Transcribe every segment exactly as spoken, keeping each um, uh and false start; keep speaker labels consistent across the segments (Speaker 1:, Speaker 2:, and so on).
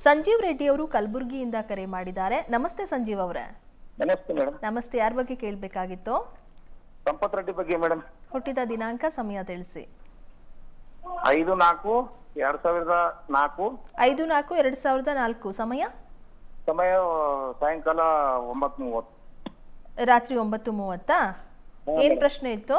Speaker 1: ಸಂಜೀವ್ ರೆಡ್ಡಿ ಅವರು ಕಲಬುರಗಿಯಿಂದ ಕರೆ ಮಾಡಿದ್ದಾರೆ. ನಮಸ್ತೆ ಸಂಜೀವ್ ಅವರೇ.
Speaker 2: ನಮಸ್ತೆ ಮೇಡಮ್.
Speaker 1: ನಮಸ್ತೆ. ಯಾರ ಬಗ್ಗೆ ಕೇಳಬೇಕಾಗಿತ್ತು?
Speaker 2: ಸಂಪತ್ ರೆಡ್ಡಿ ಬಗ್ಗೆ ಮೇಡಮ್.
Speaker 1: ಹುಟ್ಟಿದ ದಿನಾಂಕ, ಸಮಯ ತಿಳಿಸಿ.
Speaker 2: ಐದು ನಾಲ್ಕು ಎರಡ್ ಸಾವಿರದ ನಾಲ್ಕು.
Speaker 1: ಐದು ನಾಲ್ಕು ಎರಡ್ ಸಾವಿರದ ನಾಲ್ಕು. ಸಮಯ
Speaker 2: ಸಮಯ ಸಾಯಂಕಾಲ ಒಂಬತ್ತು ಮೂವತ್ತು.
Speaker 1: ರಾತ್ರಿ ಒಂಬತ್ತು ಮೂವತ್ತಾ? ಏನ್ ಪ್ರಶ್ನೆ ಇತ್ತು?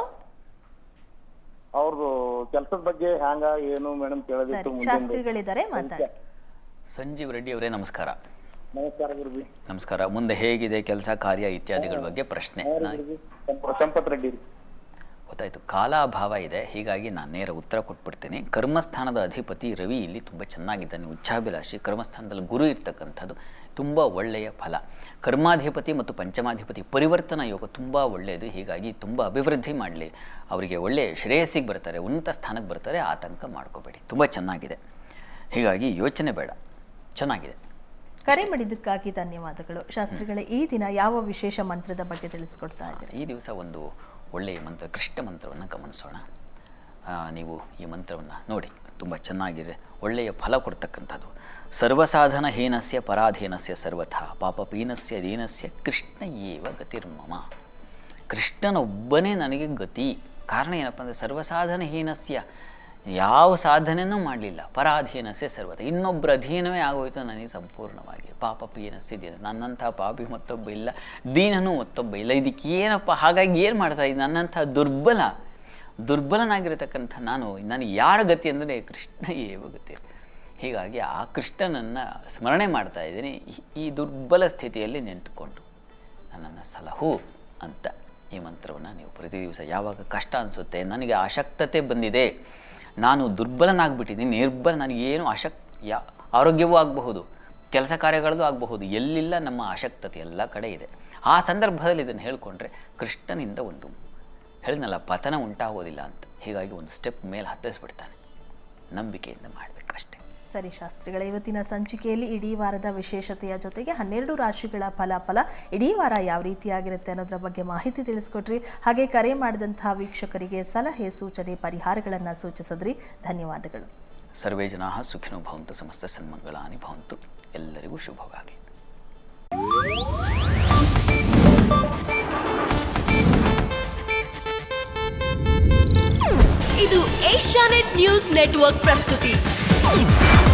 Speaker 2: ಅವ್ರದ್ದು ಕೆಲಸದ ಬಗ್ಗೆ ಹ್ಯಾಂಗ ಏನು ಮೇಡಮ್ ಕೇಳೋದಿತ್ತು.
Speaker 1: ಶಾಸ್ತ್ರಿಗಳಿದ್ದಾರೆ, ಮಾತಾಡಿ.
Speaker 3: ಸಂಜೀವ್ ರೆಡ್ಡಿ ಅವರೇ ನಮಸ್ಕಾರ.
Speaker 2: ನಮಸ್ಕಾರ ಗುರುಜಿ.
Speaker 3: ನಮಸ್ಕಾರ. ಮುಂದೆ ಹೇಗಿದೆ ಕೆಲಸ ಕಾರ್ಯ ಇತ್ಯಾದಿಗಳ ಬಗ್ಗೆ ಪ್ರಶ್ನೆ.
Speaker 2: ಸಂಪತ್ ರೆಡ್ಡಿ.
Speaker 3: ಗೊತ್ತಾಯ್ತು. ಕಾಲಾಭಾವ ಇದೆ, ಹೀಗಾಗಿ ನಾನು ನೇರ ಉತ್ತರ ಕೊಟ್ಬಿಡ್ತೀನಿ. ಕರ್ಮಸ್ಥಾನದ ಅಧಿಪತಿ ರವಿ ಇಲ್ಲಿ ತುಂಬ ಚೆನ್ನಾಗಿದ್ದಾನೆ, ಉಚ್ಚಾಭಿಲಾಷಿ. ಕರ್ಮಸ್ಥಾನದಲ್ಲಿ ಗುರು ಇರ್ತಕ್ಕಂಥದ್ದು ತುಂಬ ಒಳ್ಳೆಯ ಫಲ. ಕರ್ಮಾಧಿಪತಿ ಮತ್ತು ಪಂಚಮಾಧಿಪತಿ ಪರಿವರ್ತನಾ ಯೋಗ ತುಂಬ ಒಳ್ಳೆಯದು, ಹೀಗಾಗಿ ತುಂಬ ಅಭಿವೃದ್ಧಿ ಮಾಡಲಿ. ಅವರಿಗೆ ಒಳ್ಳೆಯ ಶ್ರೇಯಸ್ಸಿಗೆ ಬರ್ತಾರೆ, ಉನ್ನತ ಸ್ಥಾನಕ್ಕೆ ಬರ್ತಾರೆ. ಆತಂಕ ಮಾಡ್ಕೋಬೇಡಿ, ತುಂಬ ಚೆನ್ನಾಗಿದೆ, ಹೀಗಾಗಿ ಯೋಚನೆ ಬೇಡ, ಚೆನ್ನಾಗಿದೆ.
Speaker 1: ಕರೆ ಮಾಡಿದ್ದಕ್ಕಾಗಿ ಧನ್ಯವಾದಗಳು. ಶಾಸ್ತ್ರಿಗಳ ಈ ದಿನ ಯಾವ ವಿಶೇಷ ಮಂತ್ರದ ಬಗ್ಗೆ ತಿಳಿಸ್ಕೊಡ್ತಾ ಇದ್ದೀರಿ?
Speaker 3: ಈ ದಿವಸ ಒಂದು ಒಳ್ಳೆಯ ಮಂತ್ರ, ಕೃಷ್ಣ ಮಂತ್ರವನ್ನು ಗಮನಿಸೋಣ. ನೀವು ಈ ಮಂತ್ರವನ್ನು ನೋಡಿ, ತುಂಬ ಚೆನ್ನಾಗಿದೆ, ಒಳ್ಳೆಯ ಫಲ ಕೊಡ್ತಕ್ಕಂಥದ್ದು. ಸರ್ವಸಾಧನ ಹೀನಸ್ಯ ಪರಾಧೀನಸ್ಯ ಸರ್ವಥಾ ಪಾಪಪೀನಸ್ಯ ದೀನಸ್ಯ ಕೃಷ್ಣ ಏವ ಗತಿರ್ಮಮ. ಕೃಷ್ಣನೊಬ್ಬನೇ ನನಗೆ ಗತಿ. ಕಾರಣ ಏನಪ್ಪ ಅಂದರೆ ಸರ್ವಸಾಧನ ಹೀನಸ್ಯ, ಯಾವ ಸಾಧನೆಯೂ ಮಾಡಲಿಲ್ಲ. ಪರಾಧೀನಸ್ಯ ಸರ್ವಥ, ಇನ್ನೊಬ್ಬರ ಅಧೀನವೇ ಆಗೋಯ್ತು ನನಗೆ ಸಂಪೂರ್ಣವಾಗಿ. ಪಾಪ ಪೀನಸ್ಯ ದೀನ, ನನ್ನಂಥ ಪಾಪಿ ಮತ್ತೊಬ್ಬ ಇಲ್ಲ, ದೀನನೂ ಮತ್ತೊಬ್ಬ ಇಲ್ಲ. ಇದಕ್ಕೆ ಏನಪ್ಪ, ಹಾಗಾಗಿ ಏನು ಮಾಡ್ತಾ ಇದ್ದೀನಿ? ನನ್ನಂಥ ದುರ್ಬಲ ದುರ್ಬಲನಾಗಿರತಕ್ಕಂಥ ನಾನು, ನನಗೆ ಯಾರ ಗತಿ ಅಂದರೆ ಕೃಷ್ಣ ಏವ ಗತಿ. ಹೀಗಾಗಿ ಆ ಕೃಷ್ಣನನ್ನು ಸ್ಮರಣೆ ಮಾಡ್ತಾ ಇದ್ದೀನಿ ಈ ದುರ್ಬಲ ಸ್ಥಿತಿಯಲ್ಲಿ ನಿಂತುಕೊಂಡು. ನನ್ನನ್ನು ಸಲಹು ಅಂತ ಈ ಮಂತ್ರವನ್ನು ನೀವು ಪ್ರತಿ ದಿವಸ, ಯಾವಾಗ ಕಷ್ಟ ಅನಿಸುತ್ತೆ, ನನಗೆ ಅಶಕ್ತತೆ ಬಂದಿದೆ, ನಾನು ದುರ್ಬಲನಾಗ್ಬಿಟ್ಟಿದ್ದೀನಿ, ನಿರ್ಬಲ, ನನಗೇನು ಅಶಕ್ ಯಾ ಆರೋಗ್ಯವೂ ಆಗಬಹುದು, ಕೆಲಸ ಕಾರ್ಯಗಳದ್ದು ಆಗಬಹುದು, ಎಲ್ಲಿಲ್ಲ ನಮ್ಮ ಅಶಕ್ತತೆ ಎಲ್ಲ ಕಡೆ ಇದೆ. ಆ ಸಂದರ್ಭದಲ್ಲಿ ಇದನ್ನು ಹೇಳಿಕೊಂಡ್ರೆ ಕೃಷ್ಣನಿಂದ ಒಂದು ಹೇಳಿದ್ನಲ್ಲ, ಪತನ ಉಂಟಾಗೋದಿಲ್ಲ ಅಂತ. ಹೀಗಾಗಿ ಒಂದು ಸ್ಟೆಪ್ ಮೇಲೆ ಹತ್ತಿಸ್ಬಿಡ್ತಾನೆ. ನಂಬಿಕೆಯಿಂದ ಮಾಡಬೇಕಷ್ಟೆ.
Speaker 1: ಸರಿ ಶಾಸ್ತ್ರಿಗಳ, ಇವತ್ತಿನ ಸಂಚಿಕೆಯಲ್ಲಿ ಇಡೀ ವಾರದ ವಿಶೇಷತೆಯ ಜೊತೆಗೆ ಹನ್ನೆರಡು ರಾಶಿಗಳ ಫಲಾಫಲ ಇಡೀ ವಾರ ಯಾವ ರೀತಿಯಾಗಿರುತ್ತೆ ಅನ್ನೋದ್ರ ಬಗ್ಗೆ ಮಾಹಿತಿ ತಿಳಿಸ್ಕೊಟ್ರಿ. ಹಾಗೆ ಕರೆ ಮಾಡಿದಂತಹ ವೀಕ್ಷಕರಿಗೆ ಸಲಹೆ, ಸೂಚನೆ, ಪರಿಹಾರಗಳನ್ನು ಸೂಚಿಸಿದ್ರಿ. ಧನ್ಯವಾದಗಳು.
Speaker 3: ಸರ್ವೇ ಜನಾಃ ಸುಖಿನೋ ಭವಂತು, ಸಮಸ್ತ ಸನ್ಮಂಗಳಾನಿ ಭವಂತು. ಎಲ್ಲರಿಗೂ ಶುಭವಾಗಲಿ.
Speaker 4: ಇದು ಏಷ್ಯಾನೆಟ್ ನ್ಯೂಸ್ ನೆಟ್ವರ್ಕ್ ಪ್ರಸ್ತುತಿ.